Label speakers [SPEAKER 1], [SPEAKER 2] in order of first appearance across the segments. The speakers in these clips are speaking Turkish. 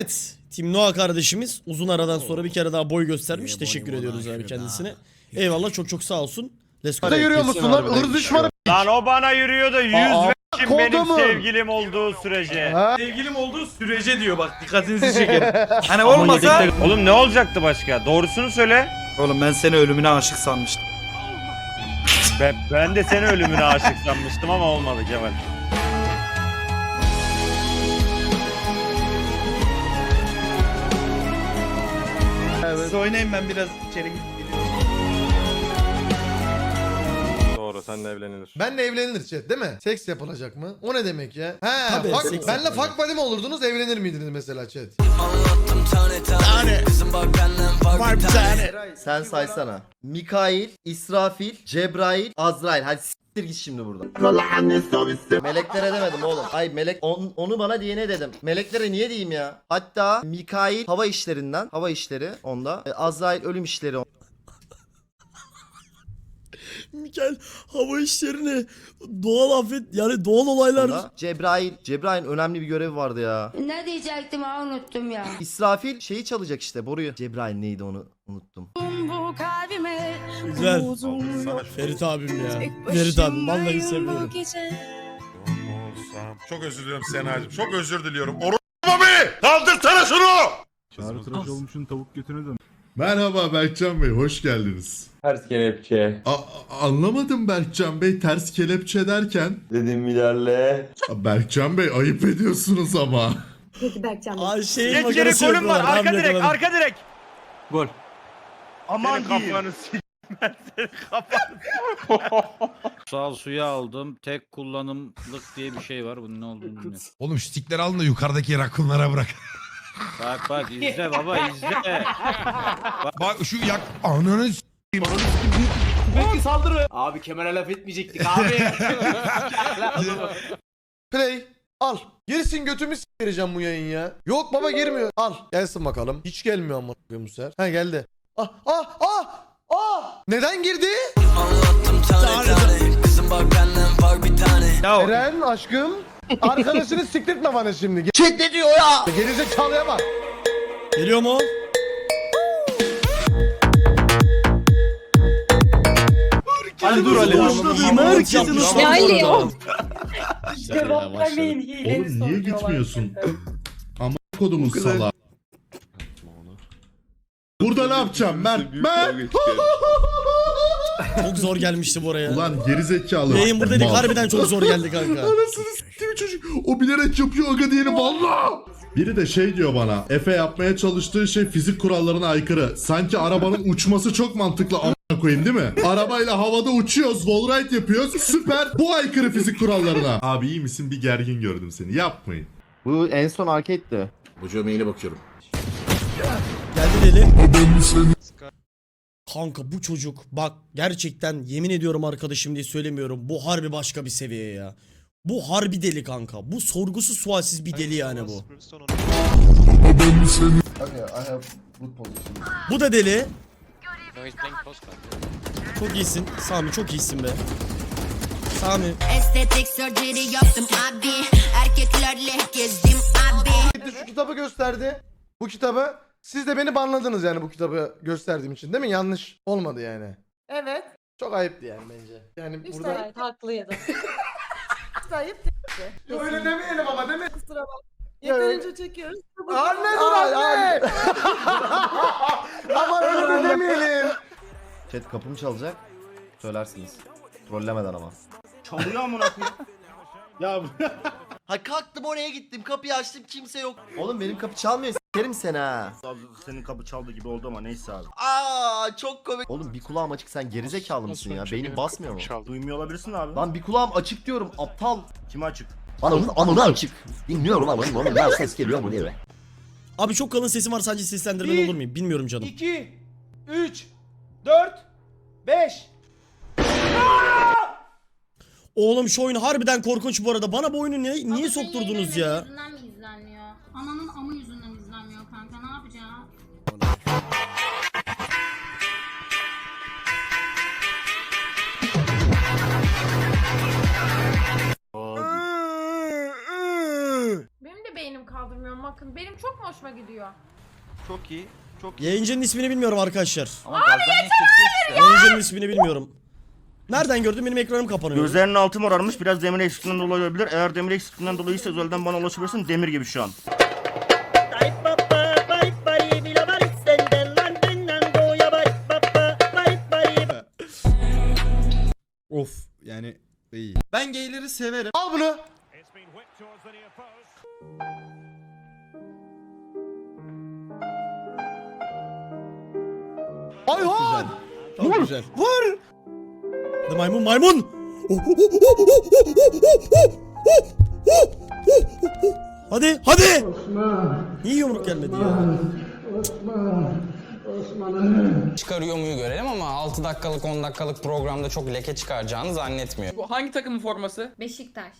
[SPEAKER 1] Evet. Team Noah kardeşimiz uzun aradan sonra bir kere daha boy göstermiş. Teşekkür ediyoruz abi kendisine. Eyvallah, çok çok sağ olsun. Let's go.
[SPEAKER 2] Yürüyor musun lan? Hırs düşmanı.
[SPEAKER 3] Lan o bana yürüyor da 100 vermişim benim
[SPEAKER 2] kodumun.
[SPEAKER 3] sevgilim olduğu sürece.
[SPEAKER 4] Sevgilim olduğu sürece diyor, bak dikkatinizi çekerim. Hani olmasa...
[SPEAKER 3] Oğlum ne olacaktı başka? Doğrusunu söyle.
[SPEAKER 4] Oğlum ben seni ölümüne aşık sanmıştım.
[SPEAKER 3] Ben de seni ölümüne aşık sanmıştım ama olmadı Kemal.
[SPEAKER 4] Siz oynayın, ben biraz içeri gideyim.
[SPEAKER 3] Doğru, seninle evlenilir.
[SPEAKER 2] Benle evlenilir chat değil mi? Seks yapılacak mı? O ne demek ya? He,
[SPEAKER 1] Tabii, seks
[SPEAKER 2] benle
[SPEAKER 1] yapılacak.
[SPEAKER 2] fuck buddy mi olurdunuz, evlenir miydiniz mesela chat?
[SPEAKER 5] Sen saysana. Mikail, İsrafil, Cebrail, Azrail. Hadi s**tir git şimdi buradan. Meleklere demedim oğlum. Ay melek onu bana diyene dedim. Meleklere niye diyeyim ya? Hatta Mikail hava işlerinden. Hava işleri onda. Azrail ölüm işleri onda.
[SPEAKER 1] Mikael hava işlerini doğal afet, yani doğal olaylar.
[SPEAKER 5] Cebrail'in önemli bir görevi vardı ya.
[SPEAKER 6] Ne diyecektim ha, unuttum ya.
[SPEAKER 5] İsrafil şeyi çalacak işte, boruyu. Cebrail neydi onu unuttum.
[SPEAKER 6] Bu kalbime
[SPEAKER 1] Güzel. Ferit abim ya. Ferit abim vallahi seviyorum.
[SPEAKER 7] Çok özür diliyorum Sena'cığım. Çok özür diliyorum. Bobby! Kaldırsana şunu!
[SPEAKER 8] Çağrı tıraş olmuşsun tavuk götüne dön.
[SPEAKER 7] Merhaba Berkcan Bey, hoş geldiniz.
[SPEAKER 9] Ters kelepçe.
[SPEAKER 7] Anlamadım Berkcan Bey, ters kelepçe derken.
[SPEAKER 9] Dedim ilerle.
[SPEAKER 7] Berkcan Bey, ayıp ediyorsunuz ama.
[SPEAKER 6] Peki Berkcan Bey.
[SPEAKER 1] Ay şey
[SPEAKER 3] Geç geri,
[SPEAKER 1] makarası
[SPEAKER 3] golüm var.
[SPEAKER 1] yapıyorlar.
[SPEAKER 3] Arka
[SPEAKER 1] Hamle
[SPEAKER 3] direk,
[SPEAKER 1] yakaladım.
[SPEAKER 3] arka direk.
[SPEAKER 4] Gol.
[SPEAKER 3] Aman kafanı s***. Ben senin kafanı
[SPEAKER 8] Sağ suya aldım. Tek kullanımlık diye bir şey var. Bunun ne olduğunu bilmiyorum.
[SPEAKER 10] Oğlum şu stikleri alın da yukarıdaki rakunlara bırak.
[SPEAKER 8] Bak izle baba izle.
[SPEAKER 10] Bak şu yak... Ananı s**eyim.
[SPEAKER 4] Abi Kemal'e laf etmeyecektik abi.
[SPEAKER 2] Play. Al. Girsin götümü s**ireceğim bu yayın ya. Yok baba girmiyor. Al. Gelsin bakalım. Hiç gelmiyor ama bu sefer. Ha geldi. Neden girdi? Eren aşkım. Arkadaşını siktirtme bana şimdi.
[SPEAKER 5] Chat ne diyor ya?
[SPEAKER 2] Gerizekalıya bak.
[SPEAKER 1] Geliyor mu?
[SPEAKER 4] Ali dur Ali.
[SPEAKER 1] Herkesin
[SPEAKER 6] Ya Ali o.
[SPEAKER 7] Oğlum niye gitmiyorsun? Ama kodumuz sala. Burada ne yapacağım ben?
[SPEAKER 1] Çok zor gelmişti bu araya.
[SPEAKER 7] Ulan gerizekalı.
[SPEAKER 1] Yayın burada dedik,
[SPEAKER 7] Mal.
[SPEAKER 1] harbiden çok zor geldi kanka.
[SPEAKER 7] Anasını s**tim çocuk. O bilerek yapıyor aga diyelim valla. Biri de şey diyor bana. Efe yapmaya çalıştığı şey fizik kurallarına aykırı. Sanki arabanın uçması çok mantıklı a**ına koyayım değil mi? Arabayla havada uçuyoruz, wallride yapıyoruz. Süper. Bu aykırı fizik kurallarına. Abi iyi misin? Bir gergin gördüm seni. Yapmayın.
[SPEAKER 5] Bu en son arcade'di.
[SPEAKER 7] Hocam yine bakıyorum.
[SPEAKER 1] Geldi deli. Kanka bu çocuk bak, gerçekten yemin ediyorum arkadaşım diye söylemiyorum. Bu harbi başka bir seviye ya. Bu harbi deli kanka. Bu sorgusuz sualsiz bir deli yani bu. Bu da deli. Çok iyisin Sami, çok iyisin be. Sami.
[SPEAKER 6] Estetik surgery yaptım abi. Erkeklerle gezdim abi.
[SPEAKER 2] Gitti şu kitabı gösterdi. Bu kitabı. Siz de beni banladınız yani bu kitabı gösterdiğim için değil mi? Yanlış olmadı yani.
[SPEAKER 11] Evet.
[SPEAKER 2] Çok ayıptı yani bence. Yani
[SPEAKER 11] İşte
[SPEAKER 2] burada...
[SPEAKER 11] evet, haklıydı. İşte ayıp değil.
[SPEAKER 2] Öyle demeyelim ama değil mi?
[SPEAKER 11] Kusura bakma. Yeterince çekiyoruz.
[SPEAKER 2] Anne dur anne! Aman öyle de demeyelim.
[SPEAKER 5] Chat kapım çalacak. Söylersiniz. Trollemeden ama.
[SPEAKER 4] Çalıyor amına koyayım. Ya
[SPEAKER 5] Ha kalktım oraya gittim, kapıyı açtım, kimse yok. Oğlum benim kapı çalmıyor, s**erim seni ha.
[SPEAKER 4] senin kapı çaldı gibi oldu ama neyse abi.
[SPEAKER 5] Aa çok komik. Oğlum bir kulağım açık, sen gerizekalı mısın ya? Beynin basmıyor mu?
[SPEAKER 4] Duymuyor olabilirsin abi.
[SPEAKER 5] Lan bir kulağım açık diyorum, aptal.
[SPEAKER 4] Kime açık?
[SPEAKER 5] Bana onun anını açık. Bilmiyorum ama onun ben ses geliyor mu diye.
[SPEAKER 1] Abi çok kalın sesim var, sadece seslendirmen olur muyum? Bilmiyorum canım.
[SPEAKER 4] 2 3 4 5.
[SPEAKER 1] Oğlum şu oyun harbiden korkunç bu arada. Bana bu oyunu niye sokturdunuz ya?
[SPEAKER 6] Yüzünden mi izlenmiyor? Ananın amı yüzünden izlenmiyor kanka, ne yapacağız?
[SPEAKER 11] Benim de beynim kaldırmıyor. bakın. Benim çok mu hoşuma gidiyor?
[SPEAKER 3] Çok iyi. Çok iyi.
[SPEAKER 1] Yayıncının ismini bilmiyorum arkadaşlar.
[SPEAKER 3] Ama gazdan niye kesiyorsun?
[SPEAKER 1] Yayıncının ismini bilmiyorum. Nereden gördüm? Benim ekranım kapanıyor.
[SPEAKER 3] Gözlerinin altı morarmış. Biraz demir eksikliğinden dolayı olabilir. Eğer demir eksikliğinden dolayıysa özelden bana ulaşabilirsin. Demir gibi şu an.
[SPEAKER 10] Of yani iyi.
[SPEAKER 2] Ben gayleri severim. Al bunu. Ayhan.
[SPEAKER 1] Çok güzel. Vur. Hadi maymun maymun. Hadi hadi. Niye yumruk gelmedi ya?
[SPEAKER 12] Çıkarıyor muyu görelim ama 6 dakikalık 10 dakikalık programda çok leke çıkaracağını zannetmiyorum.
[SPEAKER 4] Bu hangi takımın forması?
[SPEAKER 6] Beşiktaş.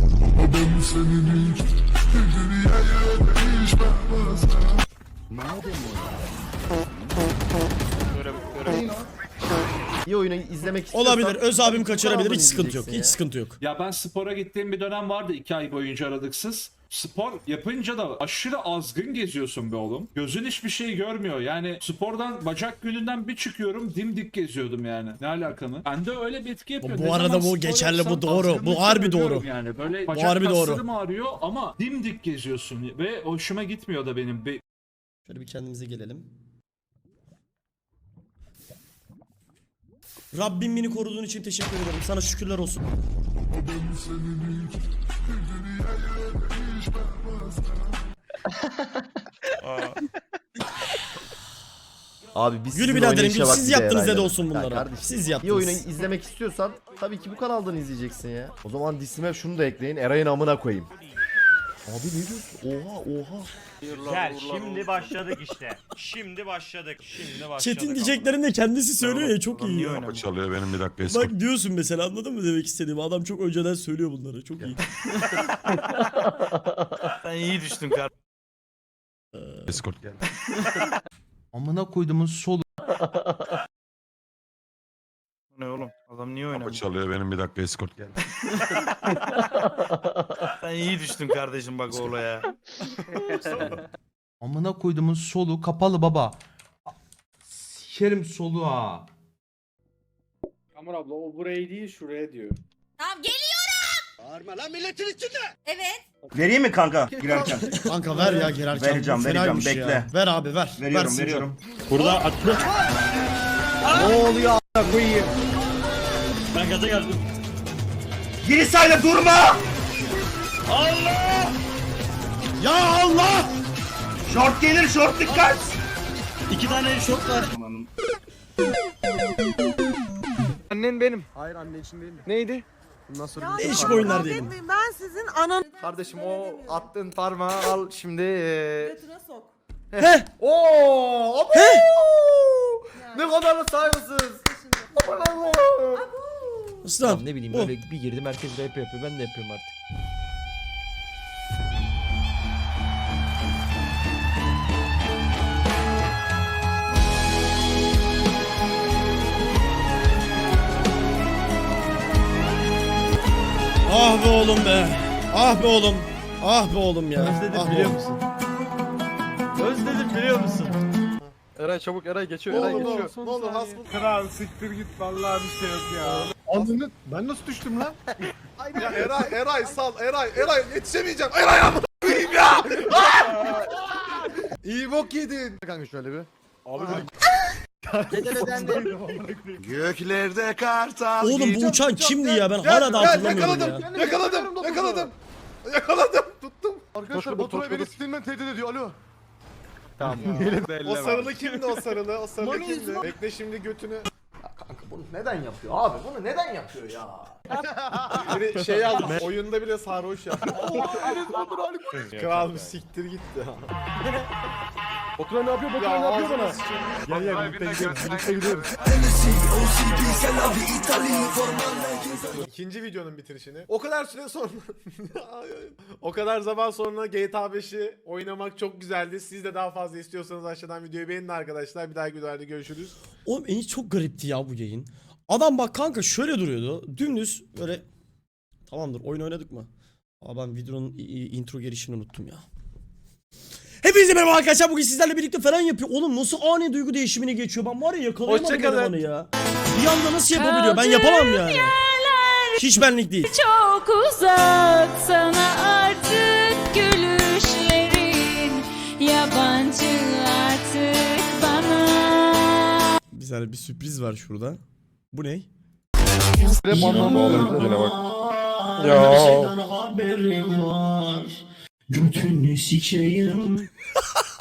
[SPEAKER 5] İyi oyunu izlemek istiyorsan
[SPEAKER 1] Olabilir. Öz abim
[SPEAKER 5] tabii ki
[SPEAKER 1] kaçırabilir.
[SPEAKER 5] kanaldan
[SPEAKER 1] Hiç sıkıntı yok.
[SPEAKER 5] izleyeceksin
[SPEAKER 1] Hiç
[SPEAKER 5] ya.
[SPEAKER 1] sıkıntı yok.
[SPEAKER 4] Ya ben spora gittiğim bir dönem vardı 2 ay boyunca aralıksız. Spor yapınca da aşırı azgın geziyorsun be oğlum. Gözün hiçbir şey görmüyor. Yani spordan bacak gününden bir çıkıyorum dimdik geziyordum yani. Ne alaka mı? Ben de öyle bir etki yapıyor.
[SPEAKER 1] Bu
[SPEAKER 4] Ne
[SPEAKER 1] arada
[SPEAKER 4] zaman
[SPEAKER 1] bu
[SPEAKER 4] spor
[SPEAKER 1] geçerli, bu
[SPEAKER 4] yapsam
[SPEAKER 1] doğru. Bu
[SPEAKER 4] azgınlık
[SPEAKER 1] harbi
[SPEAKER 4] görüyorum
[SPEAKER 1] doğru.
[SPEAKER 4] Yani böyle
[SPEAKER 1] Bu
[SPEAKER 4] bacak
[SPEAKER 1] harbi doğru.
[SPEAKER 4] kaslarım ağrıyor ama dimdik geziyorsun ve hoşuma gitmiyor da benim.
[SPEAKER 1] Şöyle bir kendimize gelelim. Rabbim beni koruduğun için teşekkür ederim. Sana şükürler olsun.
[SPEAKER 5] Abi biz
[SPEAKER 1] Gülü
[SPEAKER 5] sizin
[SPEAKER 1] biraderim,
[SPEAKER 5] oynayışa
[SPEAKER 1] gül,
[SPEAKER 5] bak
[SPEAKER 1] siz
[SPEAKER 5] bir de
[SPEAKER 1] yaptınız
[SPEAKER 5] herhalde.
[SPEAKER 1] dedi olsun
[SPEAKER 5] Ya
[SPEAKER 1] bunlara.
[SPEAKER 5] kardeşim,
[SPEAKER 1] Siz
[SPEAKER 5] İyi
[SPEAKER 1] yaptınız.
[SPEAKER 5] oyunu izlemek istiyorsan tabii ki bu kanaldan izleyeceksin ya. O zaman disime şunu da ekleyin. Eray'ın amına koyayım. Abi ne diyorsun? Oha oha.
[SPEAKER 3] Gel şimdi başladık işte. Şimdi başladık. Şimdi başladık.
[SPEAKER 1] Chat'in diyeceklerini de kendisi söylüyor ya, çok iyi ya.
[SPEAKER 3] Kapı
[SPEAKER 7] Çalıyor benim bir dakika
[SPEAKER 1] Bak diyorsun mesela, anladın mı demek istediğimi? Adam çok önceden söylüyor bunları. Çok iyi.
[SPEAKER 3] Sen iyi düştün kardeşim.
[SPEAKER 7] Escort geldi.
[SPEAKER 10] Amına koyduğumun solu.
[SPEAKER 3] Ne oğlum? Adam niye oynamıyor?
[SPEAKER 7] Çalıyor benim bir dakika escort geldi.
[SPEAKER 3] Sen iyi düştün kardeşim bak o olaya.
[SPEAKER 10] Amına koyduğumun solu kapalı baba. Sikerim solu ha.
[SPEAKER 4] Amur abla o burayı değil şuraya diyor.
[SPEAKER 6] Tamam geliyorum. Bağırma lan milletin içinde. Evet.
[SPEAKER 3] Vereyim mi kanka girerken?
[SPEAKER 1] Kanka ver ya girerken.
[SPEAKER 3] Vereceğim,
[SPEAKER 1] Bu
[SPEAKER 3] vereceğim,
[SPEAKER 1] fenaymış ya.
[SPEAKER 3] bekle.
[SPEAKER 1] Ver abi ver.
[SPEAKER 3] Veriyorum
[SPEAKER 1] Versin
[SPEAKER 3] veriyorum.
[SPEAKER 4] Burada atlı.
[SPEAKER 3] Ne oluyor a**a koyayım?
[SPEAKER 4] Ben gaza geldim.
[SPEAKER 3] Geri sayla durma!
[SPEAKER 1] Ya Allah!
[SPEAKER 3] Short gelir short dikkat!
[SPEAKER 4] 2 tane şok var.
[SPEAKER 3] Annen benim.
[SPEAKER 2] Hayır anne için değil.
[SPEAKER 3] Neydi?
[SPEAKER 2] Bundan sonra
[SPEAKER 1] Değişik oyunlar diyelim.
[SPEAKER 11] Ben sizin anan...
[SPEAKER 2] kardeşim o attığın parmağı al şimdi.
[SPEAKER 11] Götüne sok.
[SPEAKER 1] Heh!
[SPEAKER 2] Oo! Abo! Ne kadar da saygısız. Aman Allah'ım.
[SPEAKER 1] Aslan.
[SPEAKER 5] Ne bileyim
[SPEAKER 1] bu.
[SPEAKER 5] böyle bir girdim herkes rap yapıyor. Ben de yapıyorum artık.
[SPEAKER 1] Ah be oğlum be. Ah be oğlum. Ah be oğlum ya. Ah be oğlum.
[SPEAKER 2] musun?
[SPEAKER 3] Özledim biliyor musun?
[SPEAKER 2] Eray çabuk Eray geçiyor Eray geçiyor. Ne olur hasbul.
[SPEAKER 4] Kral siktir git vallahi bir şey yok ya.
[SPEAKER 2] Anladın? Ben nasıl düştüm lan? Ya Eray sal Eray yetişemeyeceğim. Eray amına koyayım ya. İyi bok yedin. Kanka şöyle bir. Abi Göklerde kartal.
[SPEAKER 1] Oğlum bu uçan kimdi ya? Ben hala da hatırlamıyorum ya.
[SPEAKER 2] Yakaladım. Tuttum. Arkadaşlar Batur'a beni Steam'den tehdit ediyor. Alo. Tamam. O sarılı kimdi o sarılı? O sarılı kimdi? Bekle şimdi götünü. Kanka bunu neden yapıyor abi? Bunu neden yapıyor ya? Biri şey aldı. Oyunda bile sarhoş ya. Kral bir siktir gitti. Batura ne yapıyor? Batura ne yapıyor bana? Gel birlikte gidiyoruz. Birlikte gidiyoruz. İkinci videonun bitirişini. O kadar süre sonra o kadar zaman sonra GTA 5'i oynamak çok güzeldi. Siz de daha fazla istiyorsanız aşağıdan videoyu beğenin arkadaşlar. Bir dahaki videolarda görüşürüz.
[SPEAKER 1] Oğlum en çok garipti ya bu yayın. Adam bak kanka şöyle duruyordu. Dümdüz böyle. Tamamdır, oyun oynadık mı? Aa ben videonun intro girişini unuttum ya. Hepinize merhaba arkadaşlar, bugün sizlerle birlikte falan yapıyor. Oğlum nasıl ani duygu değişimine geçiyor, ben var ya yakalayamadım elemanı ya. Bir anda nasıl yapabiliyor, ben yapamam yani. Hiç benlik değil.
[SPEAKER 6] Çok uzak sana artık gülüşlerin, yabancı artık bana.
[SPEAKER 1] Bir saniye, bir sürpriz var şurada. Bu ne?
[SPEAKER 2] Ya.